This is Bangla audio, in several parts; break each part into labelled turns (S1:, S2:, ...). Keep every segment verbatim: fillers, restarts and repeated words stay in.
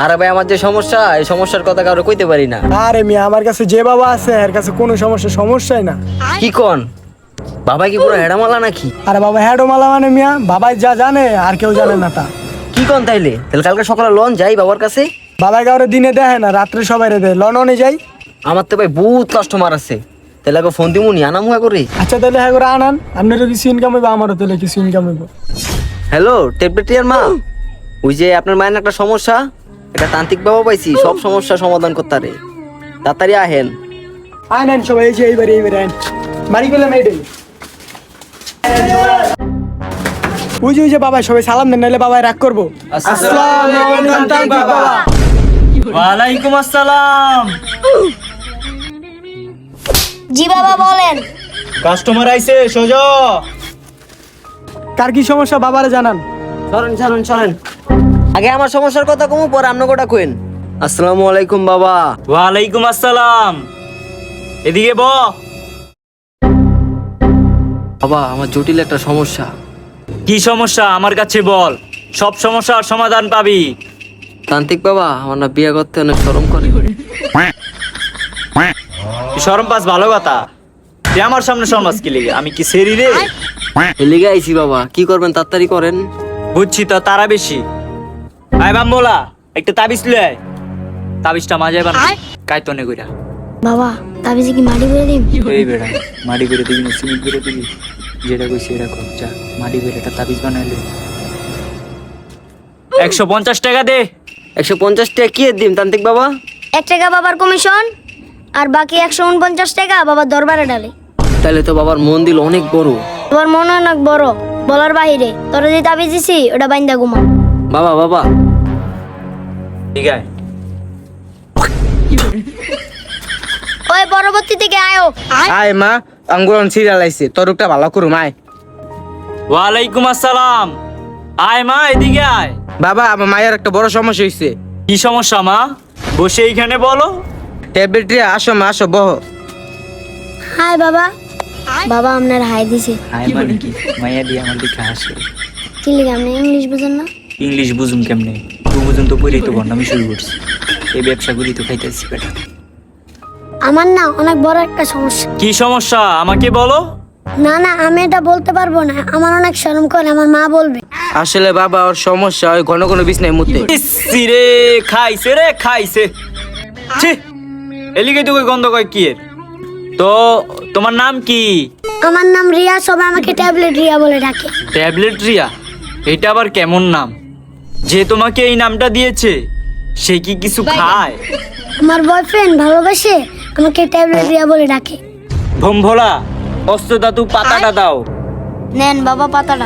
S1: আরে ভাই আমার যে সমস্যা, এই সমস্যার কথা কারো কইতে পারি না।
S2: আরে মিয়া, আমার কাছে যে বাবা আছে এর কাছে কোনো সমস্যা সমস্যাই না।
S1: কি কোন বাবা, কি পুরো হেডামালা নাকি?
S2: আরে বাবা হ্যাডো মালা মানে মিয়া, বাবাই যা জানে আর কেউ জানে না তা।
S1: কি কোন তাইলে? তাহলে কালকে সকালে লন যাই বাবার কাছে।
S2: বাবাই কাউরে দিনে দেখে না, রাত্রে সবাই রে দেয়। লননে যাই।
S1: আমার তো ভাই বহুত কাস্টমার আছে, তাহলে আগে ফোন দিমুনি আনাম হয়ে করে।
S2: আচ্ছা তাহলে হ্যাঁ করে আনান, আপনারও কিছু ইনকাম হইব, আমারও তাহলে কিছু ইনকাম হইব।
S1: হ্যালো টেবলেটিয়ার মা, ওই যে আপনার মায়ের একটা সমস্যা, একটা তান্ত্রিক বাবা পাইছি, সব সমস্যা সমাধান করতে পারে। তাড়াতাড়ি আহেন।
S2: আনেন সবাই, এই যে এইবারে এইবারে আন বাড়ি গেলাম এইটাই। ওই যে ওই যে বাবা সবাই সালাম দেন, নাহলে বাবাই রাগ করবো। আসসালামু আলাইকুম তান্ত্রিক বাবা।
S3: ওয়ালাইকুম আসসালাম।
S4: জি বাবা বলেন।
S3: কাস্টমার আইছে, সোজা।
S2: কার কি সমস্যা বাবারে জানান।
S1: চলেন চলেন চলেন, আগে আমার সমস্যার কথা কমু, পরে আপনি কোটা কইন। আসসালামু আলাইকুম বাবা।
S3: ওয়ালাইকুম আসসালাম। এদিকে ব।
S1: বাবা আমার জটিল একটা সমস্যা।
S3: কি সমস্যা আমার কাছে বল, সব সমস্যার সমাধান পাবি।
S1: তান্ত্রিক বাবা, আমার না বিয়ে করতে অনেক শরম করে।
S3: শরম পাস ভালো কথা, তুই আমার সামনে শরমাস কি লিগে? আমি কি সেরি রে?
S1: এলিগে আইছি বাবা, কি করবেন তাড়াতাড়ি করেন।
S3: বুঝছি তো, তারা বেশি। আয় বাম্বোলা, একটা তাবিজ লই আয়। তাবিজটা মাঝে বান কাইতনে কইরা।
S4: বাবা তাবিজে কি মাটি করে দিম?
S3: এই বেড়া মাটি করে দিবি না সিমেন্ট করে দিবি? যেটা কইছি এটা কর, যা মাটি করে একটা তাবিজ বানাইলে। একশো পঞ্চাশ টাকা দে।
S1: একশো পঞ্চাশ টাকা কি এর দিম তান্ত্রিক বাবা?
S4: এক টাকা বাবার কমিশন, আর বাকি একশো উনপঞ্চাশ টাকা বাবার দরবারে ডালে।
S1: তাহলে তো বাবার মন দিল অনেক বড়।
S4: তোমার মন অনেক বড়, বলার বাহিরে। তোরা যে তাবিজ দিছি ওটা বাইন্দা ঘুমা।
S1: বাবা বাবা
S3: ঠিক আছে।
S4: ওই পরবর্তী থেকে আয়ো।
S5: আয় মা, আঙ্গুরন সিরিয়াল আইছে, তরুকটা ভালো করুম আয়।
S3: ওয়ালাইকুম আসসালাম। আয় মা, এদিকে আয়।
S5: বাবা আমার মায়ের একটা বড় সমস্যা হইছে।
S3: কি সমস্যা মা? বসে এইখানে বলো।
S5: ট্যাবলেট দিয়ে আসো মা, আসো বহ।
S4: হাই বাবা। বাবা আপনার হাই দিছে।
S3: হাই মানে কি? মাইয়া দিয়ে আমার দিকে হাসে।
S4: কি লিখে আপনি ইংলিশ বুঝেন না?
S3: ইংলিশ বুঝুম কেমনে? তুই বুঝুন তো পড়েই তো আমি শুরু করছি। এই ব্যবসা করি তো খাইতেছি বেটা।
S4: আমার না অনেক বড় একটা সমস্যা।
S3: কি সমস্যা আমাকে বলো।
S4: না না আমি এটা বলতে পারবো না, আমার অনেক শরম করে, আমার মা বলবে।
S5: আসলে বাবা ওর সমস্যা ওই ঘন ঘন বিছনায় মুতে।
S3: ইসি রে, খাইছে রে খাইছে। ছি, এলিগে তো কই গন্ধ কয় কি এর? তো তোমার নাম কি?
S4: আমার নাম রিয়া, সবাই আমাকে ট্যাবলেট রিয়া বলে ডাকে।
S3: ট্যাবলেট রিয়া? এটা আবার কেমন নাম? যে তোমাকে এই নামটা দিয়েছে সে কি কিছু খায়?
S4: আমার বয়ফ্রেন্ড ভালোবাসে আমাকে ট্যাবলেট রিয়া বলে ডাকে।
S3: ভোমভোলা, অস্ত্র ধাতু পাতাটা দাও।
S4: নেন বাবা পাতাটা।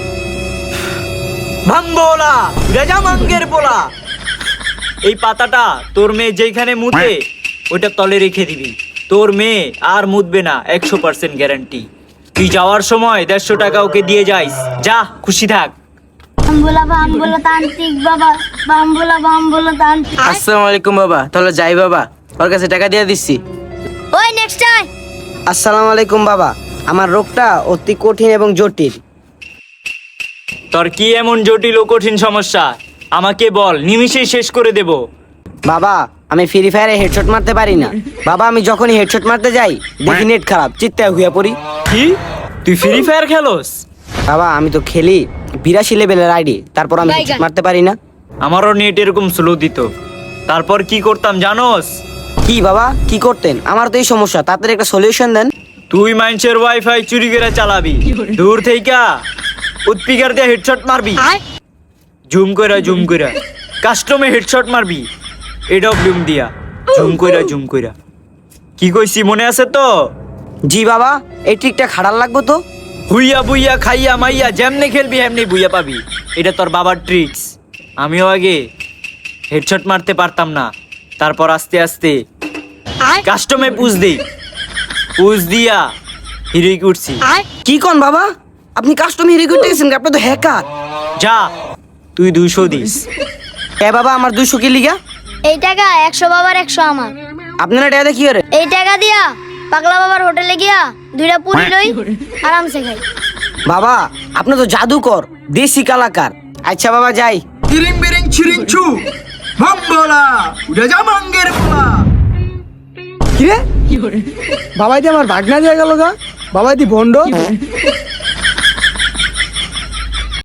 S3: ভাম্বোলা, গজামাঙ্গের পোলা। এই পাতাটা তোর মেয়ে যেখানে মুতে ওইটা তলে রেখে দিবি। তোর মেয়ে আর মুতবে না, একশো পার্সেন্ট গ্যারান্টি। তুই যাওয়ার সময় দেড়শো টাকা ওকে দিয়ে যাইস। যা, খুশি থাক।
S4: বাম্বুলা বাম্বুলা তান্ত্রিক বাবা, বাম্বুলা বাম্বুলা তান্ত্রিক।
S5: আসসালামু আলাইকুম বাবা, তাহলে যাই বাবা, ওর কাছে টাকা দিয়ে দিচ্ছি।
S4: ওই নেক্সট টাইম।
S5: আসসালামু আলাইকুম বাবা, আমার রোগটা অতি কঠিন এবং জটিল।
S3: তোর কি এমন জটিল ও কঠিন সমস্যা আমাকে বল, নিমিষেই শেষ করে দেব।
S5: বাবা আমি ফ্রি ফায়ারে হেডশট মারতে পারি না। বাবা আমি যখনই হেডশট মারতে যাই দেখি নেট খারাপ, চিত্তায় হুইয়া পড়ি।
S3: কি, তুই ফ্রি ফায়ার খেলোস?
S5: বাবা আমি তো খেলি বিরাশি লেভেলের আইডি, তারপর আমি headshot মারতে পারি না।
S3: আমারও নেট এরকম স্লো দিত, তারপর কি করতাম জানোস?
S5: কি বাবা কি করতেন? আমার তো এই সমস্যা, তাড়াতাড়ি একটা সলিউশন দেন।
S3: তুই মানুষের ওয়াইফাই চুরি করে চালাবি, দূর থেকে উৎপিকার দিয়ে হেডশট মারবি, জুম কইরা জুম কইরা কাস্টমে হেডশট মারবি, এডব্লিউএম দিয়া জুম কইরা জুম কইরা। কি কইছি মনে আছে তো?
S5: জি বাবা, এই ট্রিকটা খাড়ার লাগবো তো।
S3: হুইয়া বুইয়া খাইয়া মাইয়া যেমনে খেলবি এমনি বুইয়া পাবি, এটা তোর বাবার ট্রিক্স। আমিও আগে হেডশট মারতে পারতাম না, তারপর আস্তে আস্তে কাস্টমে পুজ দেই, পুজ দিয়া হিরোইক উঠছি।
S5: কি কোন বাবা, আপনি কাস্টম হিরো করতে গেছেন? আপনি তো হ্যাকার।
S3: যা, তুই দুইশো দিস।
S5: এ বাবা আমার দুইশো কি লিগা?
S4: এই টাকা একশো বাবার একশো আমার।
S5: আপনারা টাকা কি করে?
S4: এই টাকা দিয়া পাগলা বাবার হোটেলে গিয়া দুইটা পুরি লই আরামসে খাই।
S5: বাবা আপনি তো জাদুকর, দেশি কালাকার। আচ্ছা বাবা যাই।
S2: তিরিং বিরিং ছিরিং ছু, ভঙ্গলা উড়ে যা মাঙ্গের পোলা। কিরে বাবাই দি আমার ভাগনা দিয়ে গেল গা, বাবাই দি ভন্ড।